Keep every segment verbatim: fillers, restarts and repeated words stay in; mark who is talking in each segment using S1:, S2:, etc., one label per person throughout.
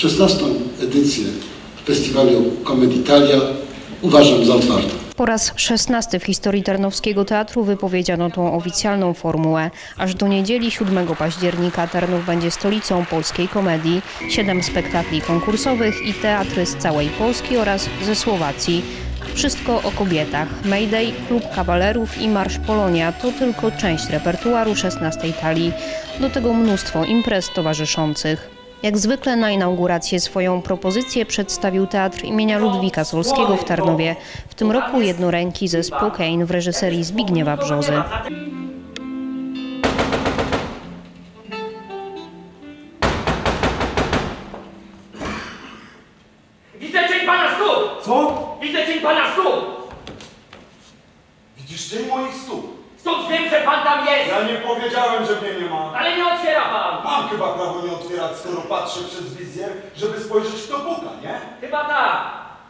S1: szesnastą edycję festiwalu Comedy Italia uważam za otwartą.
S2: Po raz szesnasty w historii Tarnowskiego Teatru wypowiedziano tą oficjalną formułę. Aż do niedzieli siódmego października Tarnów będzie stolicą polskiej komedii. Siedem spektakli konkursowych i teatry z całej Polski oraz ze Słowacji. Wszystko o kobietach. Mayday, Klub Kawalerów i Marsz Polonia to tylko część repertuaru szesnastej talii. Do tego mnóstwo imprez towarzyszących. Jak zwykle na inaugurację swoją propozycję przedstawił Teatr imienia Ludwika Solskiego w Tarnowie. W tym roku jednoręki zespół Kane w reżyserii Zbigniewa Brzozy.
S3: Widzę cień pana stóp!
S4: Co?
S3: Widzę cień pana stóp!
S4: Widzisz cień moich stóp?
S3: Stąd wiem, że pan tam jest!
S4: Ja nie powiedziałem, że mnie nie ma.
S3: Ale nie otwiera pan!
S4: Mam chyba prawo nie otwierać, skoro patrzę przez wizjer, żeby spojrzeć, kto puka, nie?
S3: Chyba tak.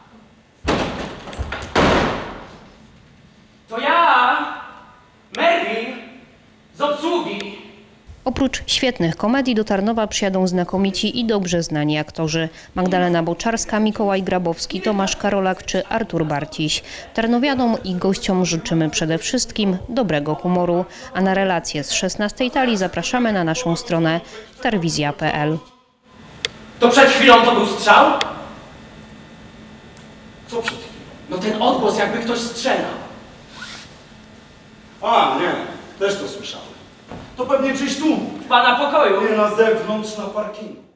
S3: To ja, Merwin, z obsługi.
S2: Oprócz świetnych komedii do Tarnowa przyjadą znakomici i dobrze znani aktorzy. Magdalena Boczarska, Mikołaj Grabowski, Tomasz Karolak czy Artur Barciś. Tarnowianom i gościom życzymy przede wszystkim dobrego humoru. A na relacje z szesnastej talii zapraszamy na naszą stronę tarwizja kropka p l.
S3: To przed chwilą to był strzał?
S4: Co przed chwilą?
S3: No ten odgłos, jakby ktoś strzelał.
S4: A, nie, też to słyszałem. To pewnie czyś tu.
S3: W pana pokoju.
S4: Nie na zewnątrz, na parkingu.